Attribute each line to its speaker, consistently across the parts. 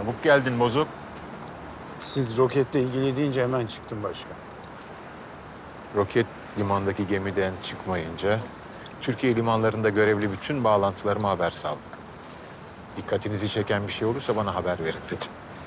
Speaker 1: Çabuk geldin Bozuk.
Speaker 2: Siz roketle ilgili deyince hemen çıktım başkan.
Speaker 1: Roket limandaki gemiden çıkmayınca Türkiye limanlarında görevli bütün bağlantılarıma haber saldım. Dikkatinizi çeken bir şey olursa bana haber verin dedim.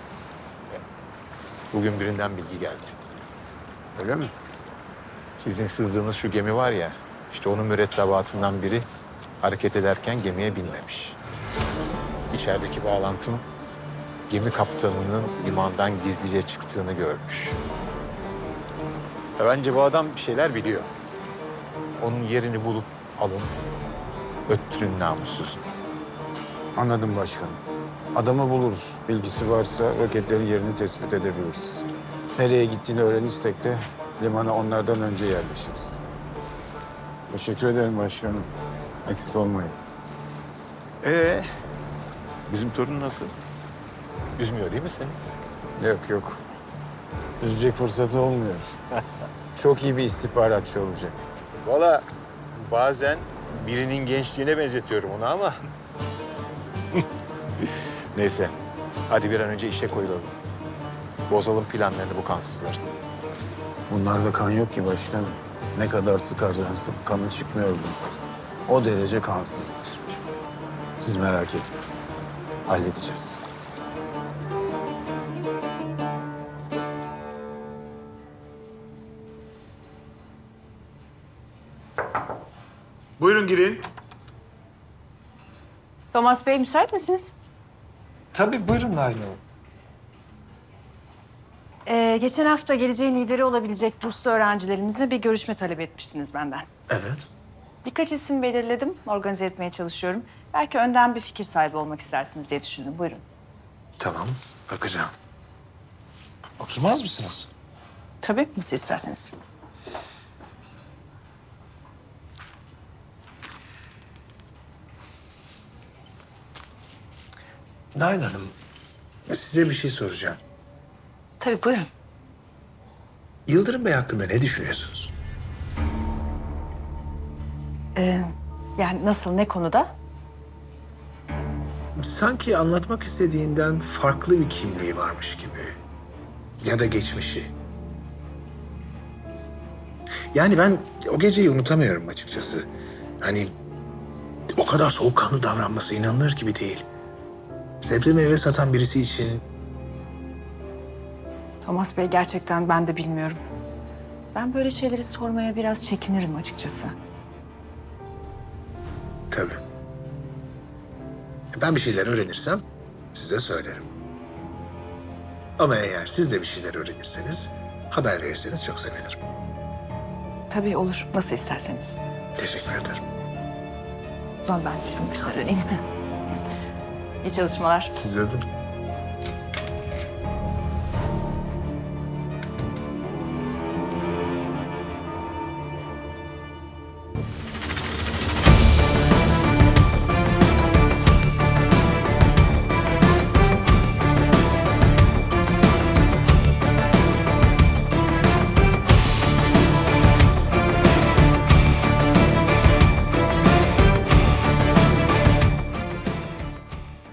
Speaker 1: Bugün birinden bilgi geldi.
Speaker 2: Öyle mi?
Speaker 1: Sizin sızdığınız şu gemi var ya, işte onun mürettebatından biri hareket ederken gemiye binmemiş. İçerideki bağlantım gemi kaptanının limandan gizlice çıktığını görmüş. Bence bu adam bir şeyler biliyor. Onun yerini bulup alın, öttürün namussuzunu.
Speaker 2: Anladım başkanım. Adamı buluruz. Bilgisi varsa roketlerin yerini tespit edebiliriz. Nereye gittiğini öğrenirsek de limana onlardan önce yerleşiriz. Teşekkür ederim başkanım. Eksik olmayın.
Speaker 1: Bizim torun nasıl? Üzmüyor değil mi seni?
Speaker 2: Yok yok. Üzecek fırsatı olmuyor. Çok iyi bir istihbaratçı olacak.
Speaker 1: Valla bazen birinin gençliğine benzetiyorum onu ama... Neyse, hadi bir an önce işe koyulalım. Bozalım planlarını bu kansızların.
Speaker 2: Bunlarda kan yok ki başkanım. Ne kadar sıkarsan sık kanı çıkmıyor bunlar. O derece kansızlar. Siz merak etmeyin. Halledeceğiz.
Speaker 3: Buyurun girin.
Speaker 4: Thomas Bey müsait misiniz?
Speaker 3: Tabii buyurun Narin Hanım.
Speaker 4: Geçen hafta geleceğin lideri olabilecek burslu öğrencilerimizle bir görüşme talep etmiştiniz benden.
Speaker 3: Evet.
Speaker 4: Birkaç isim belirledim, organize etmeye çalışıyorum. Belki önden bir fikir sahibi olmak istersiniz diye düşündüm. Buyurun.
Speaker 3: Tamam, bakacağım. Oturmaz mısınız?
Speaker 4: Tabii, nasıl isterseniz.
Speaker 3: Narin Hanım, size bir şey soracağım.
Speaker 4: Tabii, buyurun.
Speaker 3: Yıldırım Bey hakkında ne düşünüyorsunuz?
Speaker 4: Yani nasıl, ne konuda?
Speaker 3: Sanki anlatmak istediğinden farklı bir kimliği varmış gibi. Ya da geçmişi. Yani ben o geceyi unutamıyorum açıkçası. Hani o kadar soğukkanlı davranması inanılır gibi değil. Sebze meyve satan birisi için
Speaker 4: Thomas Bey, gerçekten ben de bilmiyorum. Ben böyle şeyleri sormaya biraz çekinirim açıkçası.
Speaker 3: tabii. Ben bir şeyler öğrenirsem size söylerim. Ama eğer siz de bir şeyler öğrenirseniz haber verirseniz çok sevinirim.
Speaker 4: Tabii olur, nasıl isterseniz.
Speaker 3: Teşekkür ederim.
Speaker 4: O zaman ben şimdi başına döneyim. İyi çalışmalar.
Speaker 3: Size de.